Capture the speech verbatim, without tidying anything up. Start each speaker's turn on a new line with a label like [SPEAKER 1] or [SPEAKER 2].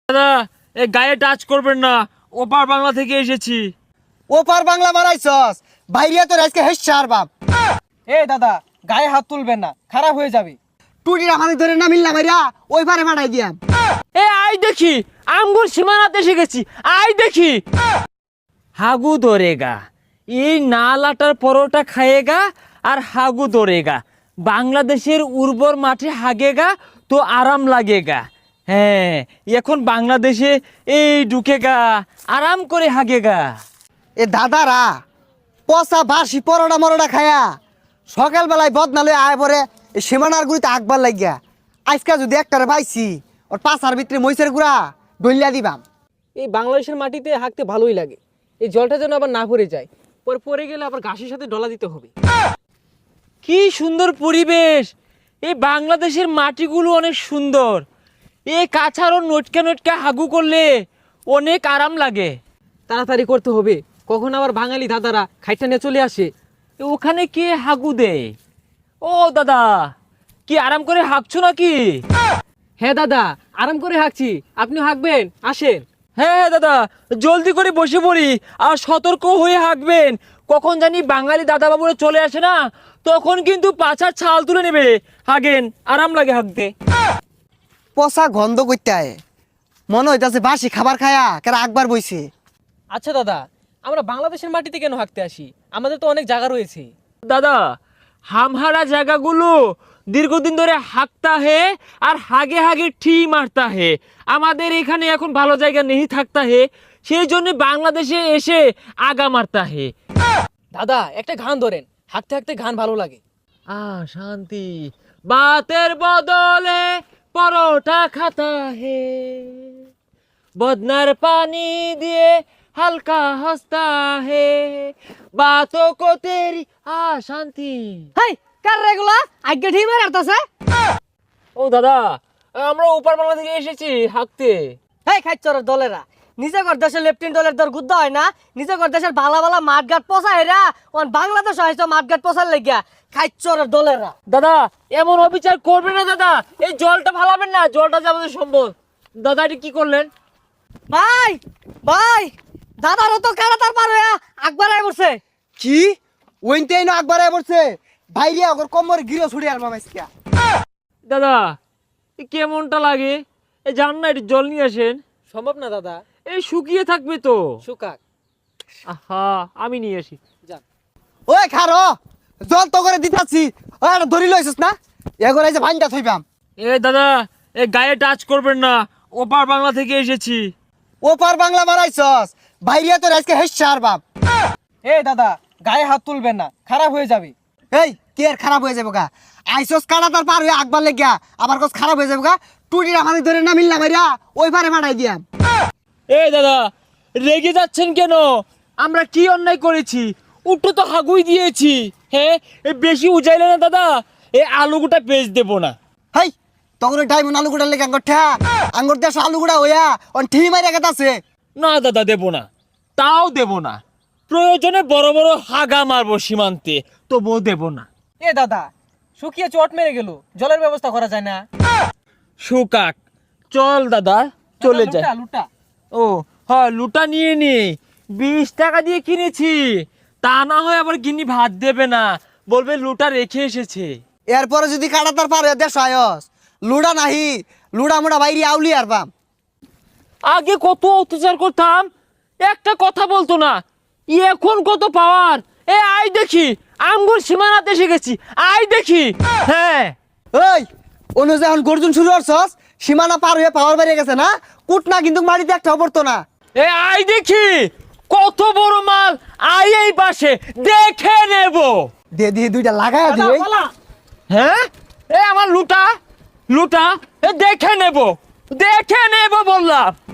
[SPEAKER 1] দাদা এ গায়ে টাচ করবেন না, ওপার বাংলা থেকে এসেছি।
[SPEAKER 2] ওপার বাংলা মারাইছস বাইরিয়া তোর আজকে হেসার বাপ।
[SPEAKER 3] এ দাদা গায়ে হাত তুলবেন না, খারাপ হয়ে যাবে।
[SPEAKER 2] টুটিরা মানে ধরে না মিললা মাইরা ওই পারে মারাই দিয়াম।
[SPEAKER 1] এ আই দেখি আমগুর সীমানাতে এসে গেছি, আই দেখি হাগু ধরেগা, এই নালাটার পরোটা খায়েগা আর হাগু ধরেগা। বাংলাদেশের উর্বর মাঠে হাগেগা তো আরাম লাগেগা। হ্যাঁ এখন বাংলাদেশে এই ঢুকেগা, আরাম করে হাগেগা।
[SPEAKER 2] এ দাদারা পচা বাসি পরোটা মরোটা খায়া সকালবেলায় বদনালে আয় পরে সীমানার গুড়িতে আকবার লাগিয়া আজকে যদি একটারে পাইছি ওর পাশার ভিতরে মহিষের গুড়া ডলিয়া দিবাম।
[SPEAKER 3] এই বাংলাদেশের মাটিতে হাঁকতে ভালোই লাগে, এই জলটা যেন আবার না পড়ে যায়, পরে পড়ে গেলে আবার ঘাসের সাথে ডলা দিতে হবে।
[SPEAKER 1] কি সুন্দর পরিবেশ, এই বাংলাদেশের মাটিগুলো অনেক সুন্দর। এই কাছাড়ও নটকা নটকা হাগু করলে অনেক আরাম লাগে।
[SPEAKER 3] তাড়াতাড়ি করতে হবে, কখন আবার বাঙালি দাদারা খাইটা নিয়ে চলে আসে।
[SPEAKER 1] এ ওখানে কে হাগু দেয়? ও দাদা কি আরাম করে হাঁকছো নাকি?
[SPEAKER 3] হ্যাঁ দাদা আরাম করে হাঁকছি, আপনি হাঁকবেন, আসেন।
[SPEAKER 1] হ্যাঁ হ্যাঁ দাদা জলদি করে বসে পড়ি, আর সতর্ক হয়ে হাঁকবেন। কখন জানি বাঙালি দাদা বাবুরা চলে আসে না, তখন কিন্তু পাছার ছাল তুলে নেবে। হাগেন, আরাম লাগে হাঁকতে।
[SPEAKER 2] পচা গন্ধ করতে আয় মনে হইতাছে বাসি খাবার খায়া কেরা আকবার বইছে।
[SPEAKER 3] আচ্ছা দাদা আমরা বাংলাদেশের মাটিতে কেন হাঁকতে আসি? আমাদের তো অনেক জায়গা রয়েছে।
[SPEAKER 1] দাদা হামহারা জায়গাগুলো দীর্ঘদিন ধরে হাঁকতা হে আর হাগে হাগে ঠি মারতা হে। আমাদের এখানে এখন ভালো জায়গা নেই থাকতা হে, সেই জন্য বাংলাদেশে এসে আগা মারতা হে।
[SPEAKER 3] দাদা একটা গান ধরেন, হাঁকতে হাঁকতে গান ভালো লাগে।
[SPEAKER 1] আ শান্তি বাতের বদলে পরোটা খাতা হে, বদনার পানি দিয়ে হালকা হস্তা হে, বাতো কো তেরি আ শান্তি।
[SPEAKER 3] হাই কার রেগুলা আগে ঠিক মার আরতাছে।
[SPEAKER 1] ও দাদা আমরা উপর বাংলা থেকে এসেছি হাঁকতে।
[SPEAKER 3] এই খাইচরের দলেরা নিজে কর দেশের লেফটেন্ট দলের দর গুদ্ধ হয় না, নিজে কর দেশের ভালা ভালা মাঠঘাট পচা হেরা ওন বাংলাদেশ হয়তো মাঠঘাট পচার লাগিয়া খাইচরের দলেরা।
[SPEAKER 1] দাদা এমন অবিচার করবেন না দাদা, এই জলটা ফালাবেন না, জলটা যে আমাদের সম্ভব। দাদা এটা কি করলেন?
[SPEAKER 3] ভাই ভাই দাদারও তো কারাতার পার হইয়া আকবার আই বসে।
[SPEAKER 2] কি ওইনতেই না আকবার আয় পড়ছে বাইরিয়া ওর কোমর গিরো ছুড়ে আর মামাইছিয়া।
[SPEAKER 1] দাদা এ কেমনটা লাগে? এই জান না একটু জল নিয়ে আসেন।
[SPEAKER 3] সম্ভব না দাদা,
[SPEAKER 1] এই শুকিয়ে থাকবে তো।
[SPEAKER 3] সুকাক
[SPEAKER 1] আহা আমি নিয়ে আসি।
[SPEAKER 3] যান।
[SPEAKER 2] ওই খারো জল তো করে দিতাছি, ওই আর ধরি লইছস না এগোর এই যে ভাইনটা থইবাম।
[SPEAKER 1] এ দাদা এ গায়ে টাচ করবেন না, ওপার বাংলা থেকে এসেছি।
[SPEAKER 2] ওপার বাংলা মারাইছস বাইরিয়া তোর আজকে হেসার বাপ।
[SPEAKER 3] এ দাদা গায়ে হাত তুলবেন না, খারাপ হয়ে যাবে।
[SPEAKER 2] এই কে আর খারাপ হয়ে যাবো গা? আইসস কাটা তার পার হয়ে আকবার লেগিয়া আবার কস খারাপ হয়ে যাবো গা? টুটিরা মানে ধরে না মিললা মাইরা ওই পারে মারাই দিয়াম।
[SPEAKER 1] এই দাদা রেগে যাচ্ছেন কেন? আমরা কি অন্যায় করেছি? উঠো তো হাগুই দিয়েছি। হ্যাঁ এ বেশি উজাইলে না দাদা, এই আলুগুটা বেচ দেবো না।
[SPEAKER 2] হাই তখন ডাইমন আলু গুড়া লেগে আঙ্গর ঠা আঙ্গর দেশ আলু গুড়া হইয়া অন ঠি মাইরা গেতাছে।
[SPEAKER 1] না দাদা দেবো না, তাও দেবো না। প্রয়োজনে বড় বড় হাগা মারবো সীমান্তে, তবুও দেবো না।
[SPEAKER 3] এ দাদা শুকিয়ে চট মেরে গেল, জলের ব্যবস্থা করা যায় না?
[SPEAKER 1] সুকাক চল দাদা চলে
[SPEAKER 3] দাদা,
[SPEAKER 1] যায়।
[SPEAKER 3] লুটা, লুটা।
[SPEAKER 1] ও হ্যাঁ লুটা নিয়ে নি, বিশ টাকা দিয়ে কিনেছি। তা না হয় আবার গিনি ভাত দেবে না, বলবে লুটা রেখে এসেছে।
[SPEAKER 2] এরপরে যদি কাটা তার পার হয়ে দেশ আয়স লুড়া নাহি লুড়া মুড়া বাইরে আউলি আর বাম।
[SPEAKER 1] আগে কত অত্যাচার করতাম, একটা কথা বলতো না, এখন কত পাওয়ার। এ আই দেখি আমগুর সীমানাতে এসে গেছি, আই দেখি। হ্যাঁ
[SPEAKER 2] ওই অনু যখন গর্জন শুরু করছস সীমানা পার হয়ে পাওয়ার বেরিয়ে গেছে না, কুট না কিন্তু মাটিতে একটা পড়তো না।
[SPEAKER 1] এ আই দেখি কত বড় মাল, আই এই পাশে দেখে নেব।
[SPEAKER 2] দে দিয়ে দুইটা লাগায়
[SPEAKER 3] দাদা,
[SPEAKER 2] দিই।
[SPEAKER 3] পালা।
[SPEAKER 1] হ্যাঁ এ আমার লুটা লুটা এ দেখে নেব, দেখে নেব বললাম।